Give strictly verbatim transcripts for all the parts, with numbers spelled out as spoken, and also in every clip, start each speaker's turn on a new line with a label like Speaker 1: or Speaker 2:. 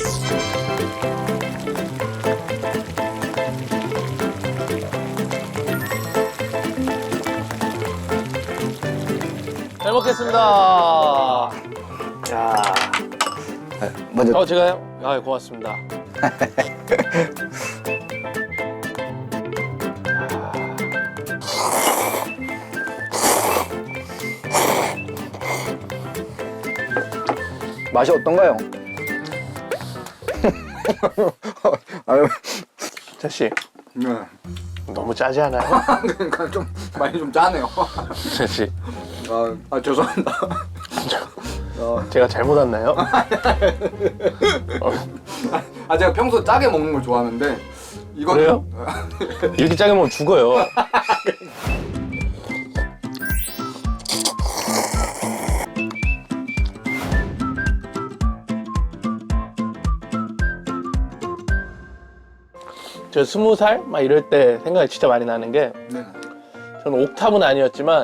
Speaker 1: 잘 먹겠습니다.
Speaker 2: 야. 먼저.
Speaker 1: 어, 제가요? 아, 고맙습니다.
Speaker 2: 맛이 어떤가요? 아유.
Speaker 1: 자씨,
Speaker 2: 네.
Speaker 1: 너무 짜지 않아요?
Speaker 2: 그러니까 좀 많이 좀 짜네요.
Speaker 1: 자씨,
Speaker 2: 아, 아 죄송합니다. 어.
Speaker 1: 제가 잘못 왔나요?
Speaker 2: 아 제가 평소 짜게 먹는 걸 좋아하는데 이거는
Speaker 1: 그래요? 이렇게 짜게 먹으면 죽어요. 저 스무 살 막 이럴 때 생각이 진짜 많이 나는 게,
Speaker 2: 네.
Speaker 1: 저는 옥탑은 아니었지만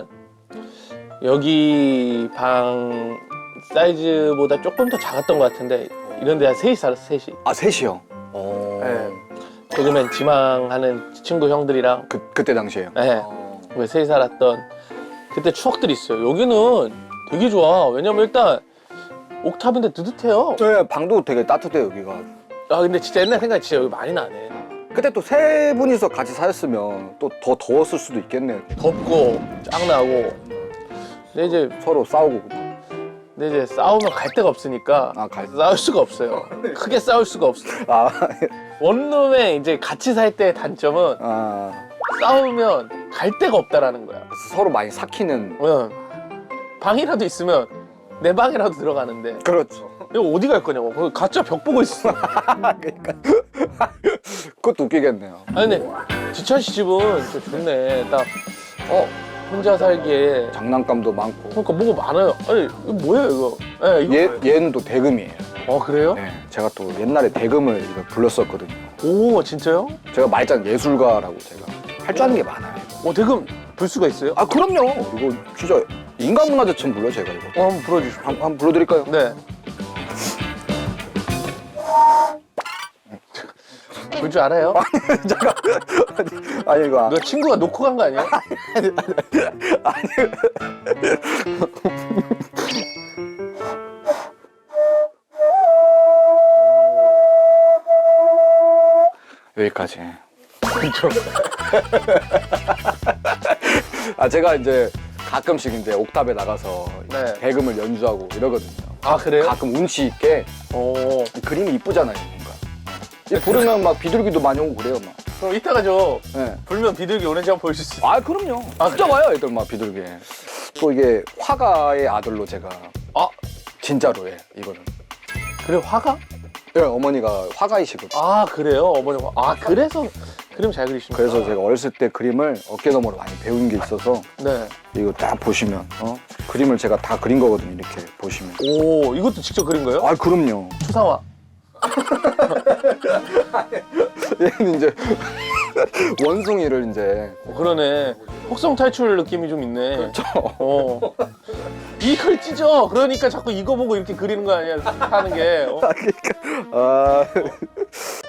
Speaker 1: 여기 방 사이즈보다 조금 더 작았던 것 같은데 이런 데 한 셋이 살았어. 셋이.
Speaker 2: 아 셋이요. 오.
Speaker 1: 네. 개그맨 지망하는 친구 형들이랑
Speaker 2: 그 그때 당시에요.
Speaker 1: 네.
Speaker 2: 어.
Speaker 1: 왜 셋이 살았던 그때 추억들이 있어요. 여기는 되게 좋아. 왜냐면 일단 옥탑인데 뜨뜻해요.
Speaker 2: 네, 방도 되게 따뜻해요 여기가.
Speaker 1: 아 근데 진짜 옛날 생각이 진짜 여기 많이 나네.
Speaker 2: 그때 또 세 분이서 같이 사셨으면 또 더 더웠을 수도 있겠네요.
Speaker 1: 덥고 짱나고. 근데 이제
Speaker 2: 서로 싸우고.
Speaker 1: 근데 이제 싸우면 갈 데가 없으니까
Speaker 2: 아, 갈-
Speaker 1: 싸울 수가 없어요. 크게 싸울 수가 없어.
Speaker 2: 아,
Speaker 1: 원룸에 이제 같이 살 때의 단점은
Speaker 2: 아
Speaker 1: 싸우면 갈 데가 없다라는 거야.
Speaker 2: 서로 많이 삭히는.
Speaker 1: 응. 방이라도 있으면 내 방이라도 들어가는데
Speaker 2: 그렇죠.
Speaker 1: 이거 어디 갈 거냐고. 거기 가짜 벽 보고 있어.
Speaker 2: 그러니까 그것도 웃기겠네요.
Speaker 1: 아니 근데 지찬 씨 집은 진짜 좋네. 딱 어 혼자 살기에
Speaker 2: 장난감도 많고.
Speaker 1: 그러니까 뭐가 많아요. 아니 이거 뭐예요 이거? 네, 이거
Speaker 2: 얘
Speaker 1: 뭐예요?
Speaker 2: 얘는 또 대금이에요.
Speaker 1: 어 그래요?
Speaker 2: 네, 제가 또 옛날에 대금을 이거 불렀었거든요.
Speaker 1: 오 진짜요?
Speaker 2: 제가 말장 예술가라고 제가 할 줄 아는 게 많아요.
Speaker 1: 어 대금 불 수가 있어요?
Speaker 2: 아 그럼요. 이거 진짜 인간문화재처럼 불러 제가 이거.
Speaker 1: 어 한번 불러주십시오.
Speaker 2: 한, 한번 불러드릴까요?
Speaker 1: 네. 불 줄 알아요?
Speaker 2: 잠깐. 아니 이거.
Speaker 1: 너 친구가 놓고 간 거 아니야?
Speaker 2: 여기까지.
Speaker 1: 좀.
Speaker 2: 아 제가 이제 가끔씩 이제 옥탑에 나가서
Speaker 1: 네.
Speaker 2: 대금을 연주하고 이러거든요.
Speaker 1: 아 그래요?
Speaker 2: 가끔 운치 있게.
Speaker 1: 오.
Speaker 2: 그림이 이쁘잖아요, 뭔가. 이 부르면 막 비둘기도 많이 오고 그래요, 막.
Speaker 1: 그럼 이따가 저
Speaker 2: 네.
Speaker 1: 불면 비둘기 오는지 한번 보여줄 수 있어요?
Speaker 2: 아, 그럼요.
Speaker 1: 아,
Speaker 2: 진짜 와요, 애들 막 비둘기. 또 이게 화가의 아들로 제가
Speaker 1: 아
Speaker 2: 진짜로 예, 이거는.
Speaker 1: 그래 화가?
Speaker 2: 네, 어머니가 화가이시거든요.
Speaker 1: 아 그래요? 어머니 화- 아 그래서 그림 잘 그리시는
Speaker 2: 그래서 제가 어렸을 때 그림을 어깨너머로 많이 배운 게 있어서
Speaker 1: 네.
Speaker 2: 이거 딱 보시면 어? 그림을 제가 다 그린 거거든요, 이렇게 보시면.
Speaker 1: 오 이것도 직접 그린 거예요?
Speaker 2: 아, 그럼요.
Speaker 1: 추상화.
Speaker 2: 얘는 이제 원숭이를 이제
Speaker 1: 어, 그러네. 혹성 탈출 느낌이 좀 있네. 어. 이걸 찢어. 그러니까 자꾸 이거 보고 이렇게 그리는 거 아니야? 하는 게. 어?
Speaker 2: 아